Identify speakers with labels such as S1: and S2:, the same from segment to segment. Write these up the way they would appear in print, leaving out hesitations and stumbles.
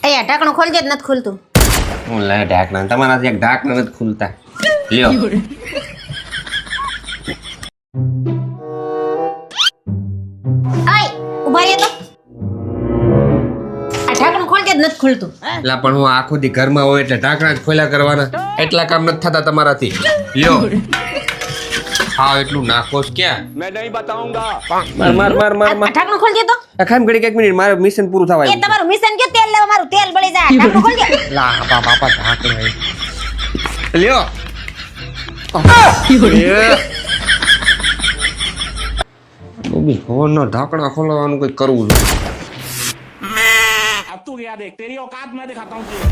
S1: અહીંયા ઢાંકણું ખોલજે જ નથી ખુલતું.
S2: હું લે ઢાંકણા તમારાથી એક ઢાંકણા નથી ખુલતા. લ્યો
S1: આય ઉભા રહે તો. આ ઢાંકણું ખોલજે જ નથી ખુલતું.
S2: એટલે પણ હું આખો દી ઘરમાં હોય એટલે ઢાંકણા જ ખોલ્યા કરવાના. એટલા કામ નથી થતા તમારાથી. લ્યો હા એટલું નાખો ક્યાં?
S3: मैं नहीं बताऊंगा.
S2: માર માર માર માર
S1: આ
S2: માર
S1: ઢાંકણું ખોલજે તો.
S2: ખામ ઘડી એક મિનિટ મારું મિશન પૂરું થવા
S1: એ
S2: આવ્યું.
S1: તમારું મિશન કે તેલ લેવા મારું તેલ બળી જાય. ઢાંકણું ખોલજે.
S2: લા બાપા ઢાંકણા લ્યો ફોન નો ઢાંકણા ખોલવાનું કઈ કરવું જોઈએ.
S3: अब तू क्या देख तेरी औकात मैं दिखाता हूँ तुझे.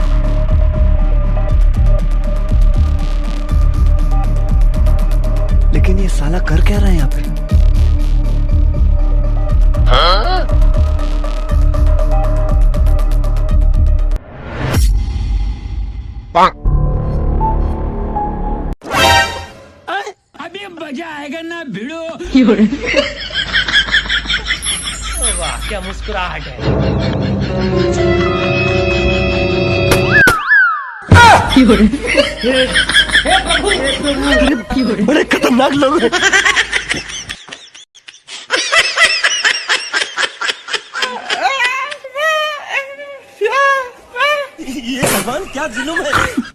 S4: लेकिन ये साला कर क्या रहा है यहाँ पे?
S3: अभी मजा आएगा ना भिड़ो. वाह क्या मुस्कुराहट है.
S4: बड़े खतरनाक लोग हैं। ये भगवान क्या जुल्म है।